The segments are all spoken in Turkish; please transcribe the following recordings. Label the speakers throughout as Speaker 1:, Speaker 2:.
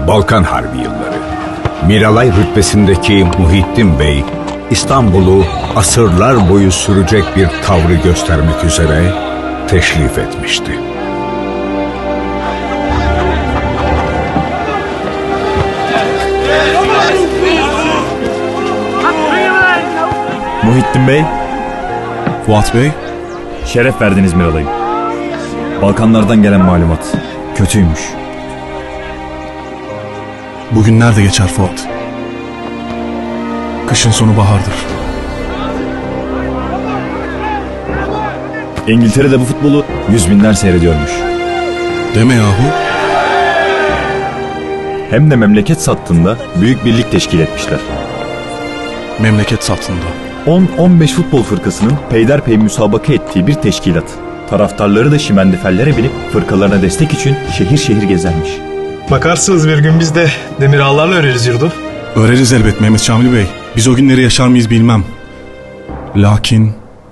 Speaker 1: Balkan Harbi yılları. Miralay rütbesindeki Muhittin Bey, İstanbul'u asırlar boyu sürecek bir tavrı göstermek üzere teşrif etmişti.
Speaker 2: Muhittin Bey,
Speaker 3: Fuat Bey,
Speaker 2: şeref verdiniz Miralay'ım. Balkanlardan gelen malumat kötüymüş.
Speaker 3: bugün nerede geçer Fuat? Kışın sonu bahardır.
Speaker 2: İngiltere'de bu futbolu 100.000'ler seyrediyormuş.
Speaker 3: Deme yahu.
Speaker 2: Hem de memleket sattığında büyük birlik teşkil etmişler.
Speaker 3: Memleket satında.
Speaker 2: 10-15 futbol fırkasının peyderpey müsabaka ettiği bir teşkilat. Taraftarları da şimendifellere binip fırkalarına destek için şehir şehir gezermiş.
Speaker 4: Bakarsınız bir gün biz de demir ağlarla öreriz yurdu.
Speaker 3: Öreriz elbet Mehmet Şamil Bey. Biz o günleri yaşar mıyız bilmem. Lakin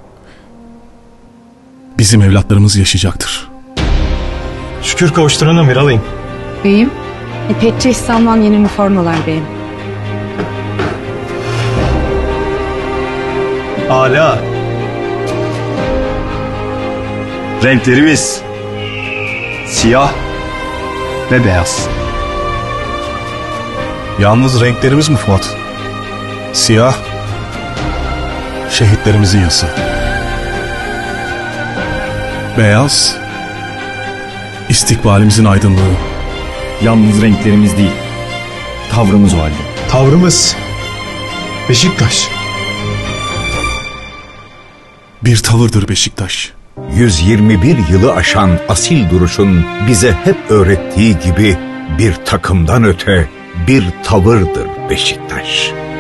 Speaker 3: bizim evlatlarımız yaşayacaktır.
Speaker 4: Şükür kavuşturana Miralay'ım.
Speaker 5: Beyim, İpekçi İhsan'dan yeni üniformalar beyim.
Speaker 4: Âlâ.
Speaker 6: Renklerimiz siyah ve beyaz.
Speaker 3: Yalnız renklerimiz mi Fuat? Siyah, şehitlerimizin yası. Beyaz, istikbalimizin aydınlığı.
Speaker 2: Yalnız renklerimiz değil, tavrımız o halde.
Speaker 4: Tavrımız Beşiktaş.
Speaker 3: Bir tavırdır Beşiktaş.
Speaker 1: 121 yılı aşan asil duruşun bize hep öğrettiği gibi bir takımdan öte bir tavırdır Beşiktaş.